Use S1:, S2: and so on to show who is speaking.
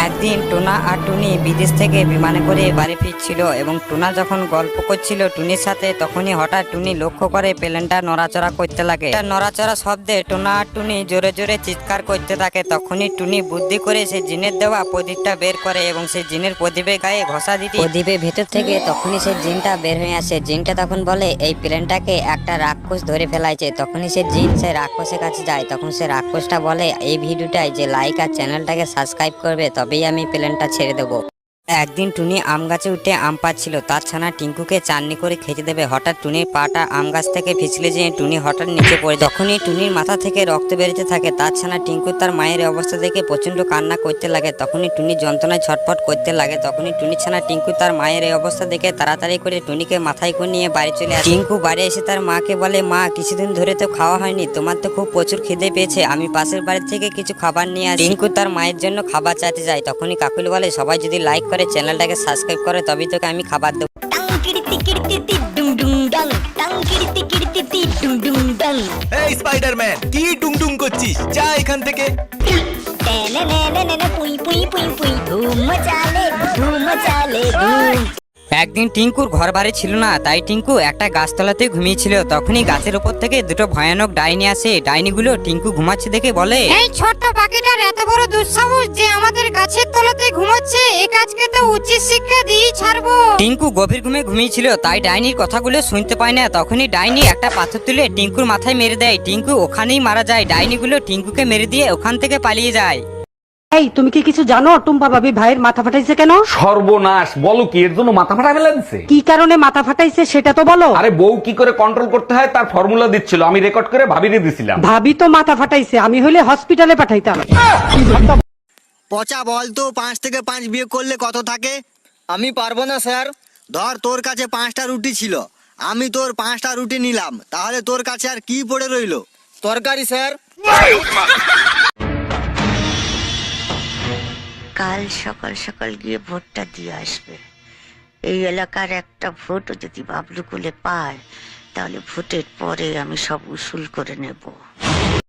S1: একদিন টুনা আর টুনি বিদেশ থেকে বিমানে করে বাড়ি ফিরছিল এবং টুনা যখন গল্প করছিল টুনির সাথে তখনই হঠাৎ টুনি লক্ষ্য করে প্লেনটা নড়াচড়া করতে লাগে। নড়াচড়া শব্দে টুনা আর টুনি জোরে জোরে চিৎকার করতে থাকে। তখনই টুনি বুদ্ধি করে সেই জিনের দেওয়া প্রদীপটা বের করে এবং সেই জিনের প্রদীপের গায়ে ঘষা দিতে প্রদীপের ভেতর থেকে তখনই সেই জিনটা বের হয়ে আসে। জিনটা তখন বলে এই প্লেনটাকে একটা রাক্ষস ধরে ফেলাইছে। তখনই সে জিন সে রাক্ষসের কাছে যায়। তখন সে রাক্ষসটা বলে এই ভিডিওটাই যে লাইক আর চ্যানেলটাকে সাবস্ক্রাইব করবে তবেই আমি প্লেনটা ছেড়ে দেবো। একদিন টুনি আম গাছে উঠে আম পাচ্ছিল, তার ছানা টিঙ্কুকে চাটনি করে খেতে দেবে। হঠাৎ টুনির পাটা আম গাছ থেকে পিছলে যেয়ে টুনি হঠাৎ নিচে পড়ে। যখনই টুনির মাথা থেকে রক্ত বেরোতে থাকে তার ছানা টিঙ্কু তার মায়ের অবস্থা দেখে প্রচন্ড কান্না করতে লাগে। তখনই টুনি যন্ত্রণায় ছটফট করতে লাগে। তখনই টুনির ছানা টিঙ্কু তার মায়ের এই অবস্থা দেখে তাড়াতাড়ি করে টুনিকে মাথায় করে নিয়ে বাড়ি চলে আসে। টিঙ্কু বাড়ি এসে তার মাকে বলে মা কিছুদিন ধরে তো খাওয়া হয়নি, তোমার তো খুব প্রচুর খিদে পেয়েছে, আমি পাশের বাড়ি থেকে কিছু খাবার নিয়ে আসি। টিঙ্কু তার মায়ের জন্য খাবার চাইতে যায়। তখনই কাকুলি বলে সবাই যদি লাইক করে চ্যানেলটাকে সাবস্ক্রাইব করে তবেই তোকে আমি খাবার দেবো।
S2: এই স্পাইডারম্যান কি ডুং করছিস, যা এখান থেকে।
S1: একদিন টিঙ্কুর ঘর বাড়ি ছিল না, তাই টিঙ্কু একটা গাছতলাতে ঘুমিয়েছিল। তখনই গাছের উপর থেকে দুটো ভয়ানক ডাইনি আসে। ডাইনিগুলো টিঙ্কু ঘুমাচ্ছে দেখে বলে
S3: এই ছোট্ট পাখিটার এত বড় দুঃসাহস যে আমাদের গাছের তলাতে ঘুমাচ্ছে, এই কাজকে তো উচিত শিক্ষা দিয়ে ছাড়বো।
S1: টিঙ্কু গভীর ঘুমে ঘুমিয়েছিল তাই ডাইনির কথাগুলো শুনতে পায় না। তখনই ডাইনি একটা পাথর তুলে টিঙ্কুর মাথায় মেরে দেয়। টিঙ্কু ওখানেই মারা যায়। ডাইনিগুলো টিঙ্কুকে মেরে দিয়ে ওখান থেকে পালিয়ে যায়।
S4: এই তুমি কি কিছু জানো টুম্পা ভাবি ভাইয়ের মাথা ফাটাইছে কেন?
S5: সর্বনাশ, বলো কি এর জন্য মাথা ফাটা ফেলে দিছে?
S4: কি কারণে মাথা ফাটাইছে সেটা তো বলো।
S5: আরে বউ কি করে কন্ট্রোল করতে হয় তার ফর্মুলা দিচ্ছিল, আমি রেকর্ড করে ভাবিয়ে দিছিলাম।
S4: ভাবি তো মাথা ফাটাইছে, আমি হইলে হসপিটালে পাঠাইতাম।
S6: পচা বল তো 5 থেকে 5 বিয়ে করলে কত থাকে?
S7: আমি পারবো না স্যার।
S6: ধর তোর কাছে 5টা রুটি ছিল, আমি তোর 5টা রুটি নিলাম, তাহলে তোর কাছে আর কি পড়ে রইলো?
S7: তরকারি স্যার।
S8: কাল সকাল সকাল গিয়ে ভোটটা দিয়ে আসবে। এই এলাকার একটা ভোটও যদি বাবলু কোলে পায় তাহলে ভোটের পরে আমি সব উসুল করে নেব।